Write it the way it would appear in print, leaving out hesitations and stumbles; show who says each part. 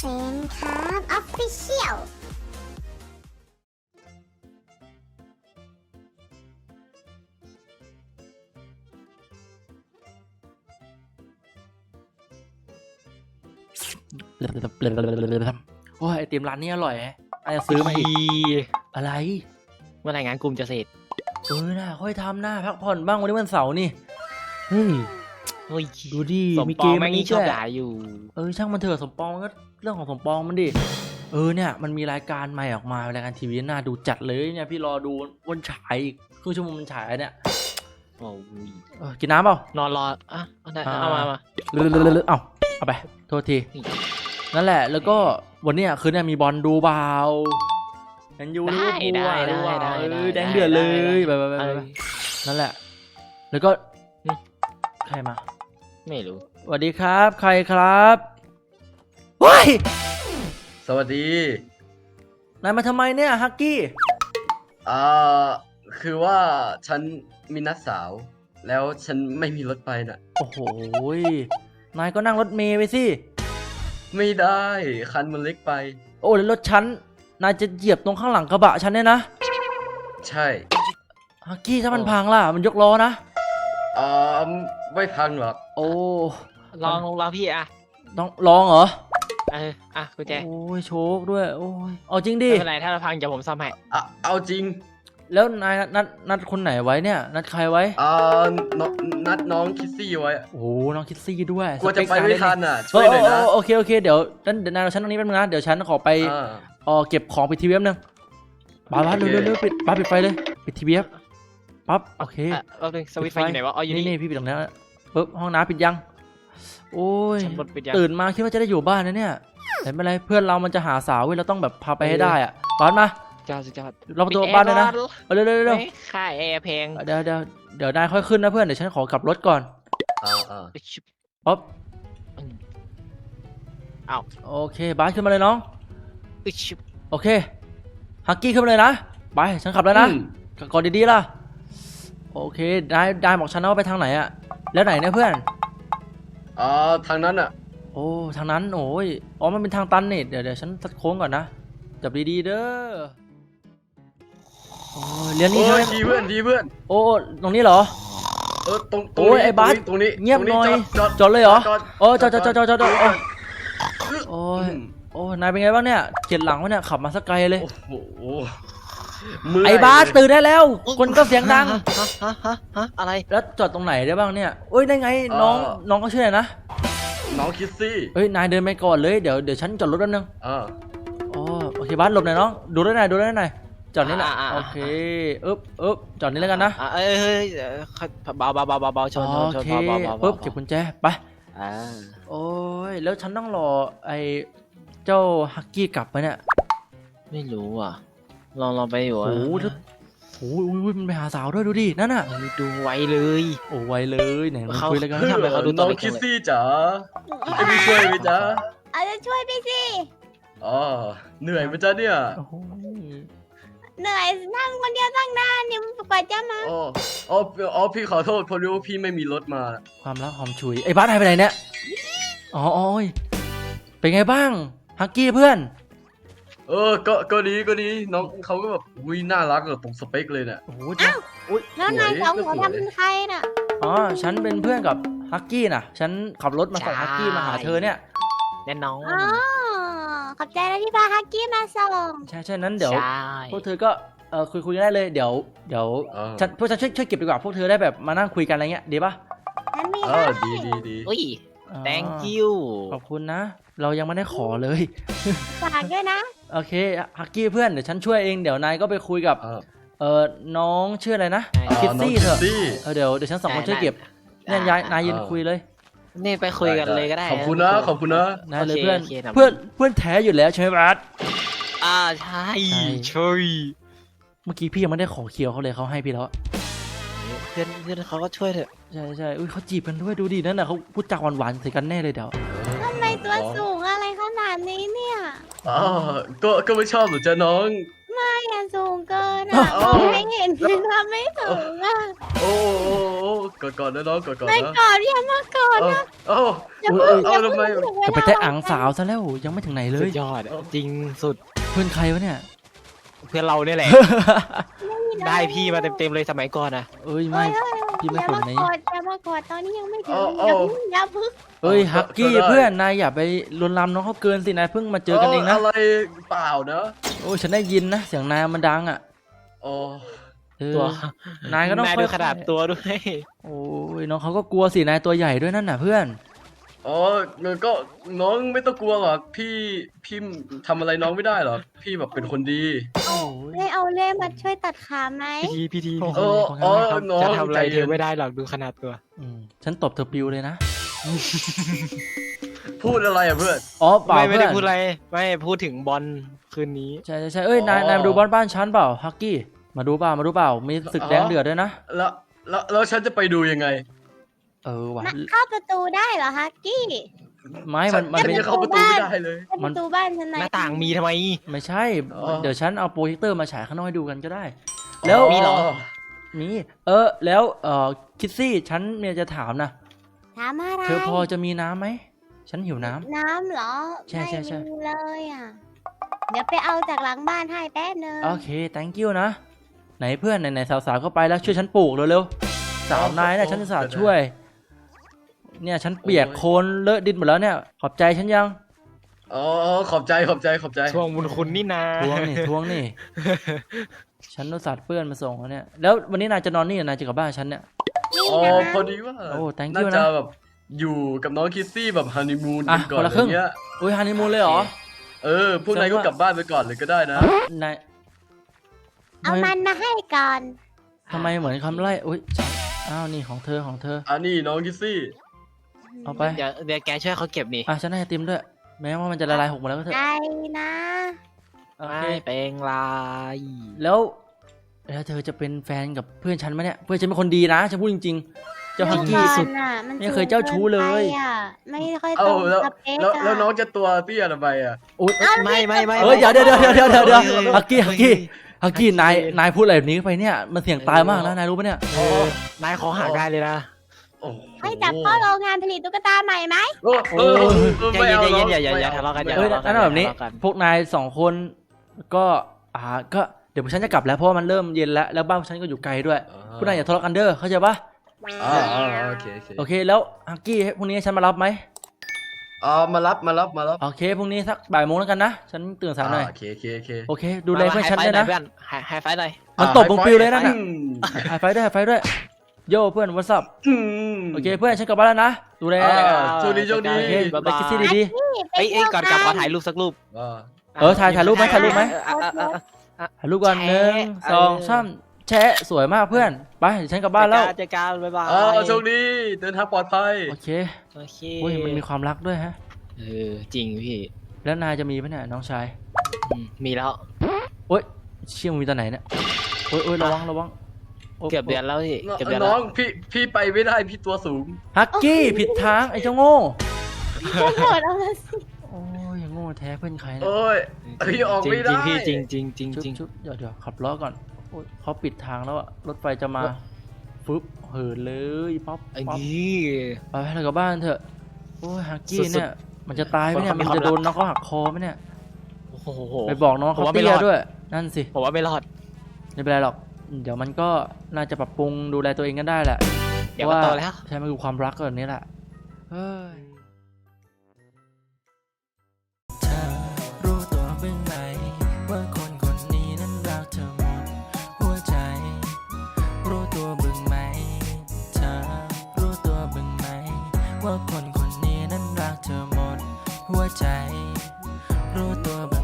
Speaker 1: นครับออฟฟิเชียล
Speaker 2: โอ้ยไอติมร้านนี้อร่อยอาจจะซื้อมาอีกอะไร
Speaker 3: เมื่อไหร่งานกลุ่มจะเสร็จ
Speaker 2: น่ะค่อยทำหน้าพักผ่อนบ้างวันนี้วันเสาร์นี่เฮ้ย
Speaker 3: เฮ้ย
Speaker 2: ดูดิ
Speaker 3: สม
Speaker 2: มี
Speaker 3: ป
Speaker 2: เก
Speaker 3: อง
Speaker 2: ม
Speaker 3: แม่ง
Speaker 2: นี้
Speaker 3: นี่ชอบ
Speaker 2: ด้วย
Speaker 3: ด่าอยู่
Speaker 2: ช่างมันเถอะสมปองก็เรื่องของสมปองมันดิเนี่ยมันมีรายการใหม่ออกมารายการทีวีน่าดูจัดเลยเนี่ยพี่รอดูวันฉายอีกครึ่งชั่วโมงมันฉายเนี่ย
Speaker 3: โอ้ย
Speaker 2: กินน้ำเปล่าน
Speaker 3: อนรออ่ะเอามา
Speaker 2: เอาไปโทษทีนั่นแหละแล้วก็วันเนี้ยคืนนี้มีบอลดูเปล่าแมนยูลิเวอร์พูลแดงเดือดเลยไปนั่นแหละแล้วก็ใครมา
Speaker 3: ไม่รู้
Speaker 2: สวัสดีครับใครครับว้าย
Speaker 4: สวัสดี
Speaker 2: นายมาทำไมเนี่ยฮักกี้
Speaker 4: คือว่าฉันมีนัดสาวแล้วฉันไม่มีรถไปน่ะ
Speaker 2: โอ้โหนายก็นั่งรถเมล์ไปสิ
Speaker 4: ไม่ได้คันมันเล็กไป
Speaker 2: โอ้แล้วรถฉันนายจะเหยียบตรงข้างหลังกระบะฉันเนี่ยนะ
Speaker 4: ใช่
Speaker 2: ฮักกี้ถ้ามันพังล่ะมันยกล้อนะ
Speaker 4: ไม่พังหรอก
Speaker 2: โอ้
Speaker 3: ลองพี่อ่ะ
Speaker 2: ต้องลองเหรอ
Speaker 3: กุญแจ
Speaker 2: โอ้ยโชคด้วยโอ้ยเอาจริงดิ
Speaker 3: ไม่เป็นไรถ้าเราพังเดี๋ยวผมซ่อมให้
Speaker 4: เอาจริง
Speaker 2: แล้วนายนัดคนไหนไว้เนี่ยนัดใครไว้
Speaker 4: นัดน้องคิสซี่ไว้
Speaker 2: โอ้น้องคิสซี่ด้วย
Speaker 4: กลัวจะไปไม่ทันอ่ะช่วยหน่อยนะ
Speaker 2: โอเคเดี๋ยวนายเราชั้นตรงนี้แป๊บนึงนะเดี๋ยวฉันขอไปเก็บของปิดทีวีแป๊บนึงบ้าเร็วปิดไฟเลยปิดทีวีปั๊บโอเค
Speaker 3: เอาเลยสวิตช์ไฟอยู่ไหนวะอ๋ออยู่
Speaker 2: นี่พี่ปิดตรงนี้ปุ๊บห้องน้ำปิดยังโอ้ย
Speaker 3: ตื่
Speaker 2: ตื่นมาคิดว่าจะได้อยู่บ้านนะเนี่ยแต่ไม่เป็นไรเพื่อนเรามันจะหาสาวเว้ยเราต้องแบบพาไปให้ได้อ่ะบ้านมา
Speaker 3: จ้า
Speaker 2: เราประตูบ้านเลยนะเร็ว
Speaker 3: ค่าแอร์แพง
Speaker 2: เดี๋ยวนายค่อยขึ้นนะเพื่อนเดี๋ยวฉันขอกลับรถก่อนป๊บโอเคบ้านขึ้นมาเลยน้องโอเคฮักกี้ขึ้นมาเลยนะไปฉันขับแล้วนะกอดดีๆล่ะโอเคนายบอกฉันนะว่าไปทางไหนอะแล้วไหนเนี่ยเพื่อน
Speaker 4: ทางนั้นอะ
Speaker 2: โอ้ทางนั้นโอ้ยมันเป็นทางตันนี่เดี๋ยวฉันตัดโค้งก่อนนะจับดีๆเด้อโอ้ยเรียนนี่ใช่ไหม
Speaker 4: ดีเพื่อน
Speaker 2: โอ้ตรงนี้เหรรอ
Speaker 4: ตรง
Speaker 2: โอ้ยไอ้บัส
Speaker 4: ตรงนี้
Speaker 2: เงียบหน่อยจอดเลยเหรอโอ้จอดโอ้นายเป็นไงบ้างเนี่ยเกียดหลังวะเนี่ยขับมาสักไกลเลย
Speaker 4: โอ้โห
Speaker 2: ไอ้บาสตื่นได้แล้วคนก็เสียงดัง
Speaker 3: อะไร
Speaker 2: แล้วจอดตรงไหนได้บ้างเนี่ยโอ้ยได้ไงน้องก็ชื่ออะไรนะ
Speaker 4: น้องคิสซี่
Speaker 2: นายเดินไปก่อนเลยเดี๋ยวฉันจอดรถแป๊บนึงโอเคบาสหลบหน่อยน้องดูได้หน่อยจอดนี่แหละโอเคจอดนี่แล้วกันนะ
Speaker 3: เฮ้ยเบาชน
Speaker 2: ปุ๊บเก็บกุญแจไปโอ้ยแล้วฉันต้องรอไอ้เจ้าฮักกี้กลับไปเนี่ย
Speaker 3: ไม่รู้อ่ะลองไปอยู่
Speaker 2: โอ้ยมันไปหาสาวด้วยดูดินั่นน่ะ
Speaker 3: ดูไวเลย
Speaker 2: ไวเลยไหนมาคุยแล้วกัน
Speaker 4: ทำไมเขาดูน้องคิสซี่จ๋าจะไปช่วยไหมจ๊ะ
Speaker 1: จะช่วยไปสิ
Speaker 4: เหนื่อยไหมจ๊ะเนี่ย
Speaker 1: เหนื่อยนั่งคนเดียวตั้งนานเนี่ยกว่าจะมา
Speaker 4: พี่ขอโทษพอรู้ว่าพี่ไม่มีรถมา
Speaker 2: ความรักหอมฉุยไอ้บ้านหายไปไหนเนี่ยเป็นไงบ้างฮักกี้เพื่อน
Speaker 4: ก็ดีน้องเขาก็แบบน่ารักตรงสเปคเลยเนี่ย
Speaker 1: แล้วนายสองคนเป็นใครน่ะ
Speaker 2: ฉันเป็นเพื่อนกับฮักกี้น่ะฉันขับรถมาส่งฮักกี้มาหาเธอเนี่ย
Speaker 3: แน่นอน
Speaker 1: ขอบใจนะที่พาฮักกี้มาส่ง
Speaker 2: ใช่นั้นเดี๋ยวพวกเธอก็คุยกันได้เลยเดี๋ยวพวกฉันช่วยเก็บดีกว่าพวกเธอได้แบบมานั่งคุยกันอะไรเงี้ยดีป่ะ
Speaker 4: ดี
Speaker 3: อุ้ย thank you
Speaker 2: ขอบคุณนะเรายังไม่ได้ขอเลย
Speaker 1: ฝากด้วยนะ
Speaker 2: โอเคฮักกี้เพื่อนเดี๋ยวฉันช่วยเองเดี๋ยวนายก็ไปคุยกับน้องชื่ออะไรนะคิสซี่เถอะเดี๋ยวฉันสองคนช่วยเก็บเนี่ยนายยืนคุยเลย
Speaker 3: นี่ไปคุยกันเลยก็ได้
Speaker 4: ขอบคุณนะ
Speaker 2: นายเลยเพื่อนแท้อยู่แล้วใช่ไหมบัส
Speaker 3: ใช่
Speaker 2: เมื่อกี้พี่ยังไม่ได้ขอเคียวเขาเลยเขาให้พี่แล้ว
Speaker 3: เพื่อนเขาก็ช่วยเถอะ
Speaker 2: ใช่เขาจีบกันด้วยดูดินั่นน่ะเขาพูดจาหวานๆใส่กันแน่เลยเดี๋ยว
Speaker 1: ทำไมตัวสูงอะไรขนาดนี้เนี่ย
Speaker 4: ก็ไม่ชอบหรอจ๊ะน้อง
Speaker 1: ไม่อะสูงเกินอะมองไม่เห็นทำไม่ถึงอะ
Speaker 4: โอ้กอดนะน้องกอด
Speaker 1: ไม่
Speaker 4: นะ
Speaker 1: กอดอย่ามากอดนะ
Speaker 4: เอ้า
Speaker 1: อย่าเพิ่งอย่า
Speaker 4: ทำไม
Speaker 1: เพิ่งถึงเว
Speaker 2: จะ
Speaker 1: ลา
Speaker 2: ไปแตะอังสาวซะแล้วยังไม่ถึงไหนเล
Speaker 3: สุ
Speaker 2: ย
Speaker 3: ดยอดอะจริงสุด
Speaker 2: เพื่อนใครวะเนี่ย
Speaker 3: เพื่อนเราเนี่ยแหละ ได้พี่มาเต็มๆเลยสมัยก่อนนะ
Speaker 2: เอ้ยไม่ พี่ไม่
Speaker 1: อย่า
Speaker 2: ถึง
Speaker 1: มา
Speaker 2: ไหน
Speaker 1: กอดอย่ามากอดตอนนี้ยังไม่ถึงอย่าเพิ่ง
Speaker 2: เอ้ยฮักกี้เพื่อนนายอย่าไปลวนลามน้องเขาเกินสินายเพิ่งมาเจอกันเองนะ
Speaker 4: อะไรเปล่านะ
Speaker 2: โอ้ยฉันได้ยินนะเสียงนายมันดังอ่ะ
Speaker 4: อ๋อ
Speaker 2: เออ
Speaker 3: ตัวน
Speaker 2: ายก็ต้อง
Speaker 3: นาย
Speaker 2: ค่
Speaker 3: ดู
Speaker 2: อยๆ
Speaker 3: ขนาดตัวด้วย
Speaker 2: โอ้ยน้องเขาก็กลัวสินายตัวใหญ่ด้วยนั่นน่ะเพื่อน
Speaker 4: อ๋อก็น้องไม่ต้องกลัวหรอกพี่ทำอะไรน้องไม่ได้หรอกพี่แบบเป็นคนดี
Speaker 2: โอ้ย
Speaker 1: ให้เอาเล่มาช่วยตัดขาไหม
Speaker 3: พี่ที
Speaker 2: โอ้โห
Speaker 4: น้อง
Speaker 3: จะทำอะไร
Speaker 4: ใจ
Speaker 3: เธ
Speaker 4: เย็
Speaker 3: อน ไม่ได้หรอกดูขนาดตัว
Speaker 2: ฉันตบเธอปิวเลยนะ
Speaker 4: พูดอะไรอะเพื่อน
Speaker 2: อ๋อเปล่า
Speaker 3: ไม่
Speaker 2: เพื่
Speaker 3: ได้
Speaker 2: อน
Speaker 3: พูดอะไรไม่พูดถึงบอลคืนนี้
Speaker 2: ใช่เอ้ยนายมาดูบอลบ้านฉันเปล่าฮักกี้มาดูเปล่ามีศึกแดงเดือดด้วยนะ
Speaker 4: แล้วฉันจะไปดูยังไง
Speaker 2: เออว่ะ
Speaker 1: เข้าประตูได้เหรอฮักกี้
Speaker 2: ไม่มัน
Speaker 4: ฉั
Speaker 2: เป็น
Speaker 4: จะเข้าประตูไม่ได้เลย
Speaker 1: เข้าประตูบ้านฉัน
Speaker 3: ห
Speaker 1: นะ
Speaker 3: น้าต่างมีทำไม
Speaker 2: ไม่ใช่
Speaker 4: อ๋อ
Speaker 2: เดี๋ยวฉันเอาโปรเจคเตอร์มาฉายข้างนอกให้ดูกันก็ได้ แล้ว
Speaker 3: มีเหรอ
Speaker 2: มีแล้วคิดซี่ฉันเนี่ยจะถามนะ
Speaker 1: ถามอะไร
Speaker 2: เธอพอจะมีน้ำไหมฉันหิวน้ำ
Speaker 1: น้ำเหรอ
Speaker 2: ใช่
Speaker 1: ไม่มีเลยอ่ะ เดี๋ยวไปเอาจากหลังบ้านให้แป๊บนึง
Speaker 2: โอเค thank you นะ ไหนเพื่อนไหนสาวๆก็ไปแล้วช่วยฉันปลูกเร็วๆสาวนายเนี่ยฉันจะสาช่วย เนี่ยฉันเปียกโคลนเลอะดินหมดแล้วเนี่ยขอบใจฉันยัง
Speaker 4: อ๋อขอบใจ
Speaker 3: ช่วงบุญคุณนี่นา
Speaker 2: ทวงนี่ ฉันอุตส่าห์เพื่อนมาส่งแล้วเนี่ย แล้ววันนี้นายจะนอนนี่หรือนายจะกลับบ้านฉันเนี่ย
Speaker 1: นี่
Speaker 4: อ๋อ
Speaker 1: นะ
Speaker 4: พอดีว่า
Speaker 2: โอ้ thank
Speaker 4: น่า
Speaker 2: you
Speaker 4: จะ
Speaker 2: นะ
Speaker 4: แบบอยู่กับน้องคิสซี่แบบฮันนีมูน
Speaker 2: อ่ะ
Speaker 4: กันก่อน
Speaker 2: คนละ
Speaker 4: อะ
Speaker 2: ครึ่ง
Speaker 4: ไรเงี้ย
Speaker 2: อุ้ยฮันนีมูนเลยเหรอ
Speaker 4: พวกนายก็กลับบ้านไปก่อนเลยก็ได้นะ
Speaker 2: นาย
Speaker 1: เอามันมาให้ก่อน
Speaker 2: ทำไมเหมือนคำไล่อุ้ยอ้าวนี่ของเธอ
Speaker 4: อันนี้น้องคิสซี่
Speaker 2: เอาไป
Speaker 3: เดี๋ยวแกช่วยเขาเก็บนี่
Speaker 2: อ่ะฉันให้ไอติมด้วย แม้ว่ามันจะละลายหกหมดแล้วก็เถอะ
Speaker 1: ใจนะ
Speaker 2: โอ
Speaker 3: ไม่
Speaker 2: เค
Speaker 3: เป็นไร
Speaker 2: แล้วเธอจะเป็นแฟนกับเพื่อนฉันไหมเนี่ยเพื่อนฉันเป็นคนดีนะฉันพูดจริงๆเจ้าฮักกี้สุด
Speaker 1: น่ะมัน
Speaker 2: ไม่เคยเจ้าชู้เลย
Speaker 1: สูงกินไปอะไม่ค่อยต
Speaker 4: เอ้า
Speaker 1: รง
Speaker 4: แล้ว
Speaker 1: สเปค
Speaker 4: แล้วน้อง
Speaker 1: อะ
Speaker 4: จะตัวเตี้ยทำไมอ่ะ
Speaker 2: อุ๊ย
Speaker 3: ไม่
Speaker 2: เอ้ยเดี๋ยวฮักกี้นายพูดอะไรแบบนี้ไปเนี่ยมันเสี่ยงตายมากนะนายรู้ปะเนี่ย
Speaker 3: นายขอห่างได้เลยนะ
Speaker 4: โอ้โห
Speaker 1: ให้จับเข้าโรงงานผลิตตุ๊กตาใหม่ไหม
Speaker 3: ใจเย็นอย่าทะเลาะกัน
Speaker 2: เอ้ยนั่นแบบนี้พวกนายสองคนก็ก็เดี๋ยวฉันจะกลับแล้วเพราะว่ามันเริ่มเย็นแล้วบ้านฉันก็อยู่ไกลด้วยพวกนายอย่าทะเลาะกันเด้อเข้าใจปะ
Speaker 4: โอเค
Speaker 2: โอเคแล้วฮักกี้พรุ่งนี้ฉันมารับไหม
Speaker 4: มารับ
Speaker 2: โอเคพรุ่งนี้สักบ่ายโมงแล้วกันนะฉันตื่นสายหน่อย
Speaker 4: โอเค
Speaker 2: โอเคดูแลเพื่อนฉันด้วยนะ
Speaker 3: ไฮไฟหน่อย
Speaker 2: มันตบมึงปิวเลยนั่นน่ะไฮไฟด้วยโย่เพื่อนวัสซับโอเคเพื่อนฉันกลับบ้านแล้วนะดูแล
Speaker 4: โชคดี
Speaker 2: โอเคไปคิดที่ดี
Speaker 3: เอ้ยก่อนกลับขอถ่ายรูปสักรูป
Speaker 2: ถ่ายรูปไหมถ่ายรูปก่อน1 2 3แชะสวยมากเพื่อนไปเดี๋ยวฉันกลับบ้านแล้ว
Speaker 3: เจอกันบ๊ายบาย
Speaker 4: โชคดีเดินทางปลอดภัย
Speaker 2: โอเค
Speaker 3: โอเค
Speaker 2: อุ้ยมันมีความรักด้วยฮะ
Speaker 3: จริงพี่
Speaker 2: แล้วนายจะมีไหมเนี่ยน้องชาย
Speaker 3: มีแล้ว
Speaker 2: โอ๊ยเชี่ยมึงมีตอนไหนเนี่ยโอ๊ยระวัง
Speaker 3: เกือบเดือนแล้วพี่เกือบเดือน
Speaker 4: น้
Speaker 3: แล้
Speaker 4: อ
Speaker 3: ว
Speaker 4: งพี่ไปไม่ได้พี่ตัวสูง
Speaker 2: ฮักกี้ผิดทางไอ้เจ้าโง่
Speaker 1: จะโกรธเอาละสิ
Speaker 2: โอ้ยโง่แท้เพื่อนใครเนี่ย
Speaker 4: โอ้ยพี่ออกไม่ได้
Speaker 3: พี่จริง
Speaker 2: ชุบเดี๋ยวขับล้อก่อนโอ๊ยเขาปิดทางแล้วอะรถไฟจะมาฟึบเหินเลยป๊อป
Speaker 3: ไอ้นี่
Speaker 2: ไปเรากลับบ้านเถอะโอ้ยฮักกี้
Speaker 3: สุดๆ
Speaker 2: เนี่ยมันจะตายไหมเนี่ย
Speaker 3: คนเขามี
Speaker 2: มัน
Speaker 3: ความ
Speaker 2: จะโดน
Speaker 3: รัก
Speaker 2: น้องเขาหักคอไหมเนี่ย
Speaker 3: โอ้โห
Speaker 2: ไปบอกน้อง
Speaker 3: ผม
Speaker 2: เขา
Speaker 3: ว่าไม่
Speaker 2: เตี้
Speaker 3: ร
Speaker 2: ย
Speaker 3: อด
Speaker 2: ด้วยนั่นสิ
Speaker 3: ผมว่าไม่รอด
Speaker 2: ไม่เป็นไรหรอกเดี๋ยวมันก็น่าจะปรับปรุงดูแลตัวเองกันได้แหละ
Speaker 3: เดี๋ยวก็โตแล้ว
Speaker 2: ใช่มันคือความรักแบบนี้แหละเฮ้ยเธอรู้ตัวบ้างไหมว่าคนคนนี้นั้นรักเธอหมดหัวใจ รู้ตัวบ้างไหมเธอรู้ตัวบ้างไหมว่าคนคนนี้นั้นรักเธอหมดหัวใจ รู้ตัว